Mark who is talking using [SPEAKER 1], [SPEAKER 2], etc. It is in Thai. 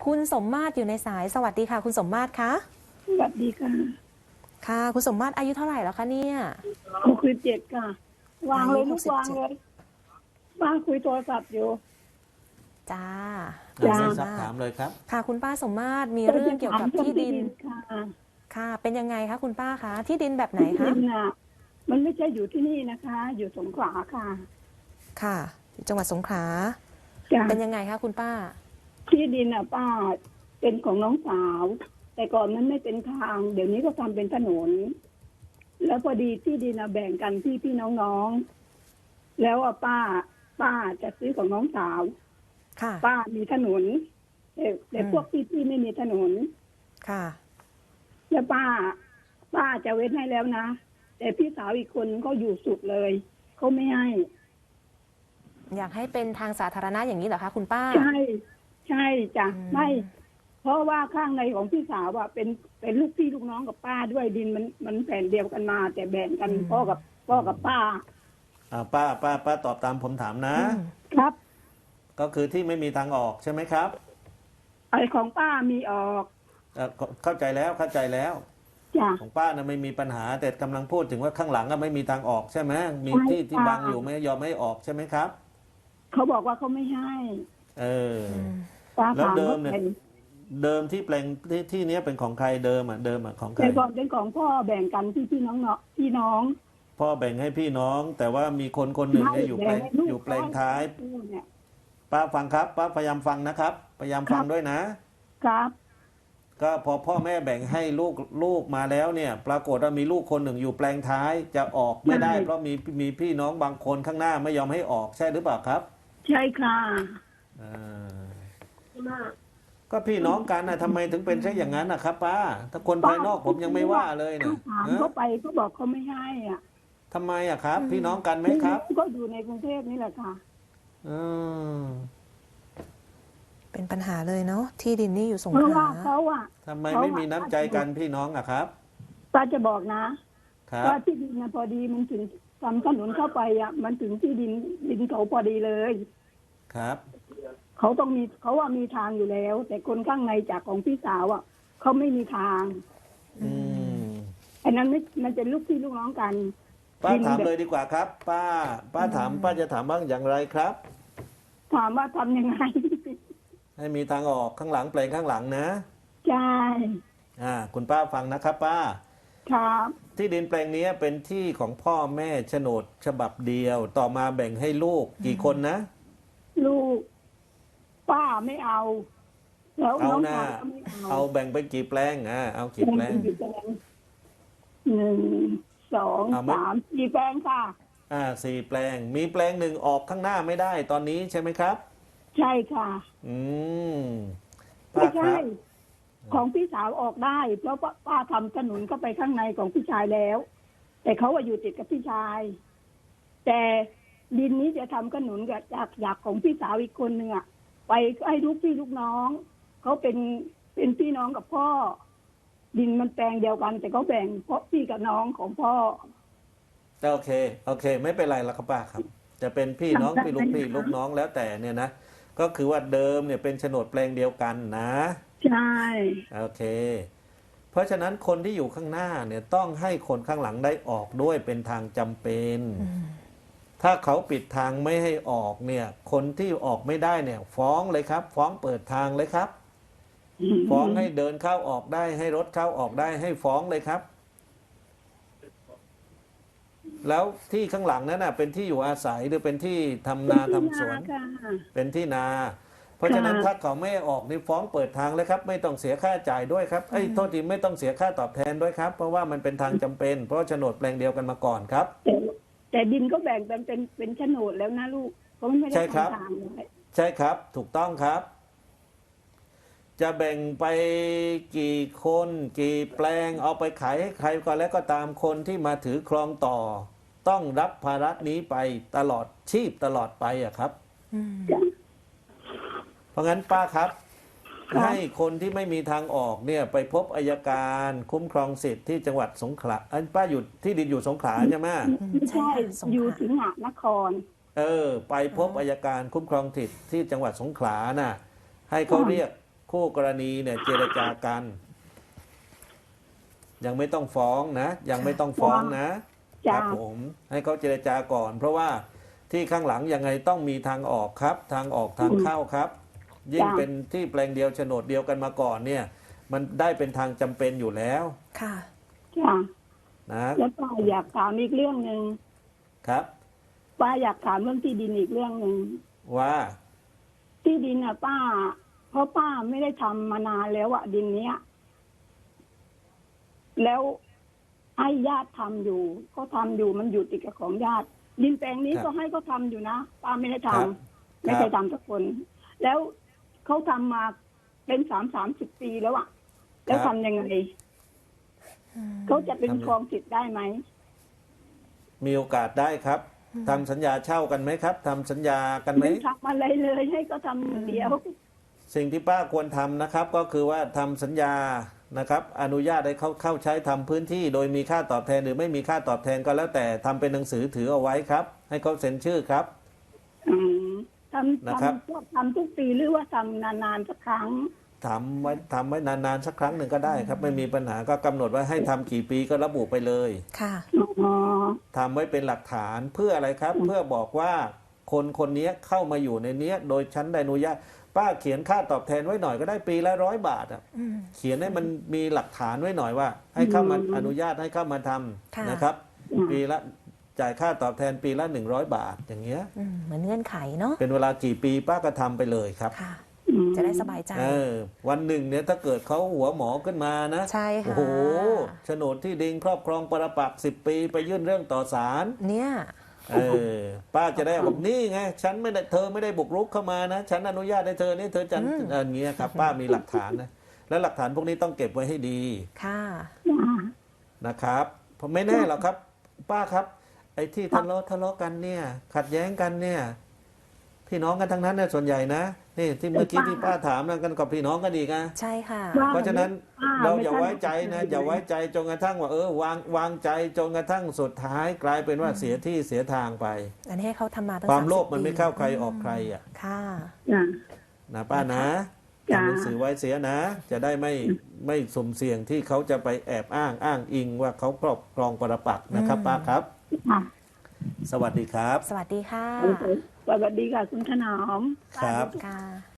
[SPEAKER 1] คุณสมมาตรอยู่ในสายสวัสดีค่ะคุณสมมาตรคะ
[SPEAKER 2] สวัสดีค่ะ
[SPEAKER 1] ค่ะคุณสมมาตรอายุเท่าไหร่แล้วคะเนี่ย
[SPEAKER 2] 67ค่ะวางเลยลูกวางเลยป้าคุยโทรศัพท์อยู่
[SPEAKER 1] จ้า
[SPEAKER 2] จ้า
[SPEAKER 3] ซักถามเลยครับ
[SPEAKER 1] ค่ะคุณป้าสมมาตรมีเรื่องเกี่ยวกับที่ดิน
[SPEAKER 2] ค่ะ
[SPEAKER 1] ค่ะเป็นยังไงคะคุณป้าคะที่ดินแบบไหนคะ
[SPEAKER 2] ที่ดินน่ะมันไม่ใช่อยู่ที่นี่นะคะ อยู่สงขลาค่ะ
[SPEAKER 1] ค่ะอยู่จังหวัดสงขลา
[SPEAKER 2] จ้า
[SPEAKER 1] เป็นยังไงคะคุณป้า
[SPEAKER 2] ที่ดินน่ะป้าเป็นของน้องสาวแต่ก่อนมันไม่เป็นทางเดี๋ยวนี้ก็ทำเป็นถนนแล้วพอดีที่ดินน่ะแบ่งกันพี่น้องๆแล้วป้าจะซื้อของน้องสาว
[SPEAKER 1] ค่ะ
[SPEAKER 2] ป้ามีถนนแต่พวกพี่ไม่มีถนน
[SPEAKER 1] ค่ะ
[SPEAKER 2] แล้วป้าจะเว้นให้แล้วนะแต่พี่สาวอีกคนเขาอยู่สุดเลยเขาไม่ให้
[SPEAKER 1] อยากให้เป็นทางสาธารณะอย่างนี้เหรอคะคุณป้า
[SPEAKER 2] ใช่จ้ะไม่เพราะว่าข้างในของพี่สาวอะเป็นลูกพี่ลูกน้องกับป้าด้วยดินมันแผ่นเดียวกันมาแต่แบ่งกันพ่อกับป้า
[SPEAKER 3] ป้าตอบตามผมถามนะครับก็คือที่ไม่มีทางออกใช่ไหมครับ
[SPEAKER 2] ไอของป้ามีออก
[SPEAKER 3] เข้าใจแล้ว
[SPEAKER 2] จ้ะ
[SPEAKER 3] ของป้านะไม่มีปัญหาแต่กำลังพูดถึงว่าข้างหลังก็ไม่มีทางออกใช่ไหมมีที่บังอยู่ไม่ยอมไม่ออกใช่ไหมครับ
[SPEAKER 2] เขาบอกว่าเขาไม่ให้
[SPEAKER 3] แล้วเดิมเนี่ยเดิมที่แปลงที่นี้เป็นของใครเดิมของใคร
[SPEAKER 2] แต่ก่อนเป็นของพ่อแบ่งกันพี่น้อง
[SPEAKER 3] พ่อแบ่งให้พี่น้องแต่ว่ามีคนหนึ่งเนี่ยอยู่แปลงท้ายป้าฟังครับป้าพยายามฟังนะครับพยายามฟังด้วยนะครับก็พอพ่อแม่แบ่งให้ลูกมาแล้วเนี่ยปรากฏว่ามีลูกคนหนึ่งอยู่แปลงท้ายจะออกไม่ได้เพราะมีพี่น้องบางคนข้างหน้าไม่ยอมให้ออกใช่หรือเปล่าครับ
[SPEAKER 2] ใช่ค่ะ
[SPEAKER 3] ก็พี่น้องกันนะทำไมถึงเป็นใช่อย่างนั้นนะครับป้าถ้าคนภายนอกผมยังไม่ว่าเลยนะ
[SPEAKER 2] ถามเขาไปเขาบอกเขาไม่ให้อ่ะ
[SPEAKER 3] ทำไมอ่ะครับพี่น้องกันไหมครับ
[SPEAKER 2] ก็อยู่ในกรุงเทพนี่แหละค่ะ
[SPEAKER 1] เป็นปัญหาเลยเนาะที่ดินนี่อยู่สงขลา
[SPEAKER 2] เพราะว่าเขาอ่ะ
[SPEAKER 3] ทำไมไม่มีน้ำใจกันพี่น้องอ่ะครับ
[SPEAKER 2] ป้าจะบอกนะว่าที่ดินนะพอดีมันถึงทำถนนเข้าไปอ่ะมันถึงที่ดินเขาพอดีเลย
[SPEAKER 3] ครับ
[SPEAKER 2] เขาต้องมีเขาว่ามีทางอยู่แล้วแต่คนข้างในจากของพี่สาวอ่ะเขาไม่มีทางอันนั้นไม่มันเป็นลูกพี่ลูกน้องกัน
[SPEAKER 3] ป้าถามเลยดีกว่าครับป้าป้าจะถามบ้างอย่างไรครับ
[SPEAKER 2] ถามว่าทำยังไง
[SPEAKER 3] ให้มีทางออกข้างหลังแปลงข้างหลังนะ
[SPEAKER 2] ใช่
[SPEAKER 3] คุณป้าฟังนะครับป้า
[SPEAKER 2] ครับ
[SPEAKER 3] ที่ดินแปลงนี้เป็นที่ของพ่อแม่โฉนดฉบับเดียวต่อมาแบ่งให้ลูกกี่คนนะ
[SPEAKER 2] ลูกป้าไม่เอาแล้วน้องชายก็ไม่
[SPEAKER 3] เอาแบ่งไปกี่แปลงเอากี่แปลง
[SPEAKER 2] 1 2 3 4แปลงค่ะ
[SPEAKER 3] 4แปลงมีแปลงหนึ่งออกข้างหน้าไม่ได้ตอนนี้ใช่ไหมครับ
[SPEAKER 2] ใช่ค่ะไม่ใช่ของพี่สาวออกได้เพราะป้าทำถนนเข้าไปข้างในของพี่ชายแล้วแต่เขาอยู่ติดกับพี่ชายแต่ดินนี้จะทำถนนกับจากของพี่สาวอีกคนหนึ่งอ่ะไปให้ลูกพี่ลูกน้องเขาเป็นพี่น้องกับพ่อดินมันแปลงเดียวกันแต่เขาแบ่งเพราะพี่กับน้องของพ่อ
[SPEAKER 3] โอเคไม่เป็นไรแล้วครับป้าครับจะเป็นพี่น้องพี่ลูกน้องแล้วแต่เนี่ยนะก็คือว่าเดิมเนี่ยเป็นโฉนดแปลงเดียวกันนะ
[SPEAKER 2] ใช่
[SPEAKER 3] โอเคเพราะฉะนั้นคนที่อยู่ข้างหน้าเนี่ยต้องให้คนข้างหลังได้ออกด้วยเป็นทางจำเป็นถ้าเขาปิดทางไม่ให้ออกเนี่ยคนที่ออกไม่ได้เนี่ยฟ้องเลยครับฟ้องเปิดทางเลยครับฟ้องให้เดินเข้าออกได้ให้รถเข้าออกได้ให้ฟ้องเลยครับแล้วที่ข้างหลังนั้นน่ะเป็นที่อยู่อาศัยหรือเป็นที่ทำนาทำสวนเป็นที่นาเพราะฉะนั้นถ้าเขาไม่ออกนี่ฟ้องเปิดทางเลยครับไม่ต้องเสียค่าจ่ายด้วยครับโทษทีไม่ต้องเสียค่าตอบแทนด้วยครับเพราะว่ามันเป็นทางจำเป็นเพราะโฉนดแปลงเดียวกันมาก่อนครับ
[SPEAKER 2] แต่ดินก็แบ่งเป็นโฉนดแล้วนะลูกเพราะมันไม่ได้ทำทาง
[SPEAKER 3] ใช่ครับถูกต้องครับจะแบ่งไปกี่คนกี่แปลงเอาไปขายให้ใครก็แล้วก็ตามคนที่มาถือครองต่อต้องรับภาระนี้ไปตลอดชีพตลอดไปอะครับเพราะงั้นป้าครับให้คนที่ไม่มีทางออกเนี่ยไปพบอัยการคุ้มครองสิทธิ์ที่จังหวัดสงขลาป้าอยู่ที่ดินอยู่สงขลาใช่ไหม
[SPEAKER 2] ใช่อยู่สิงหนคร
[SPEAKER 3] ไปพบอัยการคุ้มครองสิทธิ์ที่จังหวัดสงขลาน่ะให้เขาเรียกคู่กรณีเนี่ยเจรจากัน ยังไม่ต้องฟ้องนะ ยังไม่ต้องฟ้องนะค
[SPEAKER 2] จ้า
[SPEAKER 3] รับผมให้เขาเจรจาก่อน เพราะว่าที่ข้างหลังยังไงต้องมีทางออกครับ ทางออกทางเข้าครับ ยิ่งเป็นที่แปลงเดียวโฉนดเดียวกันมาก่อนเนี่ย มันได้เป็นทางจำเป็นอยู่แล้ว
[SPEAKER 1] ค่ะ
[SPEAKER 2] จ้า
[SPEAKER 3] นะ
[SPEAKER 2] แล้วป้าอยากถามอีกเรื่องหนึ่ง
[SPEAKER 3] ครับ
[SPEAKER 2] ป้าอยากถามเรื่องที่ดินอีกเรื่องหนึ่ง
[SPEAKER 3] ว่า
[SPEAKER 2] ที่ดินอ่ะป้า เพราะป้าไม่ได้ทำมานานแล้วอ่ะดินเนี้ย แล้วให้ญาติทำอยู่ก็ทำอยู่มันอยู่ติดกับของญาติ ดินแปลงนี้
[SPEAKER 3] ครับ
[SPEAKER 2] ก็ให้เขาทำอยู่นะป้าไม่ได้ทำ
[SPEAKER 3] ครับ
[SPEAKER 2] ไม่เคยทำสักคน แล้วเขาทำมาเป็น30 ปีแล้วอ่ะ แล้วทำยังไงเขาจะเป็นครองสิทธิ์ได้ไหม
[SPEAKER 3] มีโอกาสได้ครับทำสัญญาเช่ากันไหมครับทำสัญญากันไหม
[SPEAKER 2] ไม่ทำอะไรเลยให้เขาทำอย่างเดียว
[SPEAKER 3] สิ่งที่ป้าควรทำนะครับ ก็คือว่าทำสัญญานะครับ อนุญาตให้เขาเข้าใช้ทำพื้นที่ โดยมีค่าตอบแทนหรือไม่มีค่าตอบแทนก็แล้วแต่ทำเป็นหนังสือถือเอาไว้ครับ ให้เขาเซ็นชื่อครับ
[SPEAKER 2] อืมทำ
[SPEAKER 3] นะครับ
[SPEAKER 2] ทำทุกปีหรือว่าทำนานๆสักครั้ง
[SPEAKER 3] ทำไว้นานๆสักครั้งหนึ่งก็ได้ครับ ไม่มีปัญหาก็กำหนดไว้ให้ทำกี่ปีก็ระบุไปเลย
[SPEAKER 1] ค่ะ
[SPEAKER 2] อ๋อ
[SPEAKER 3] ทำไว้เป็นหลักฐานเพื่ออะไรครับ เพื่อบอกว่าคนคนนี้เข้ามาอยู่ในเนี้ย โดยชั้นได้อนุญาตป้าเขียนค่าตอบแทนไว้หน่อยก็ได้ปีละ100 บาทอ่ะ
[SPEAKER 1] อืม
[SPEAKER 3] เขียนให้มันมีหลักฐานไว้หน่อยว่า ให้เข้ามาอนุญาตให้เข้ามาท
[SPEAKER 1] ค่ะ
[SPEAKER 3] ำนะครับ ปีละจ่ายค่าตอบแทนปีละ100 บาทอย่างเงี้ย
[SPEAKER 1] เหมือนเงื่อนไขเนาะ
[SPEAKER 3] เป็นเวลากี่ปีป้าก็ทำไปเลยครับ
[SPEAKER 1] ค่ะ
[SPEAKER 2] อืม
[SPEAKER 1] จะได้สบายใจ
[SPEAKER 3] วันหนึ่งเนี่ยถ้าเกิดเขาหัวหมอขึ้นมานะ
[SPEAKER 1] ใช่ค่ะ
[SPEAKER 3] โอ้โหโฉนดที่ดินครอบครองปรปักษ์10 ปีไปยื่นเรื่องต่อศาล
[SPEAKER 1] เนี่ย
[SPEAKER 3] ป้าจะได้บอกนี่ไงฉันไม่ได้เธอไม่ได้บุกรุกเข้ามานะฉันอนุญาตให้เธอนี่เธอจันอย่างเงี้ยครับ ป้ามีหลักฐานนะและหลักฐานพวกนี้ต้องเก็บไว้ให้ดี
[SPEAKER 1] ค่ะ
[SPEAKER 3] นะครับเพราะไม่แน่หรอกครับ ป้าครับ ไอ้ที่ทะเลาะกันเนี่ย ขัดแย้งกันเนี่ย พี่น้องกันทั้งนั้นเนี่ยส่วนใหญ่นะนี่ที่เมื่อกี้ที่ป้าถามนะกันกับพี่น้องกันอีกนะ
[SPEAKER 1] ใช่ค่ะ
[SPEAKER 3] เพราะฉะนั้นเราอย่าไว้ใจนะ
[SPEAKER 2] ไม่ใช่
[SPEAKER 3] อย่าไว้ใจจนกระทั่งว่าวางใจจนกระทั่งสุดท้ายกลายเป็นว่าเสียที่เสียทางไป
[SPEAKER 1] อันนี้ให้เขาทำมาตั้ง
[SPEAKER 3] ความโลภ
[SPEAKER 1] 30
[SPEAKER 3] มันไม่เข้าใครออกใครอ่ะ
[SPEAKER 1] ค่ะ
[SPEAKER 2] จ้ะ
[SPEAKER 3] นะป้านะ
[SPEAKER 2] จ้ะ
[SPEAKER 3] ทำหนังสือไว้เสียนะ จะได้ไม่สุ่มเสี่ยงที่เขาจะไปแอบอ้างอิงว่าเขาครอบครองปรปักษ์นะครับ ป้าครับ
[SPEAKER 2] ค่ะ
[SPEAKER 3] สวัสดีครับ
[SPEAKER 1] สวัสดีค่ะ
[SPEAKER 2] สวัสดีค่ะคุณถนอม
[SPEAKER 3] ครับ
[SPEAKER 1] ค่ะ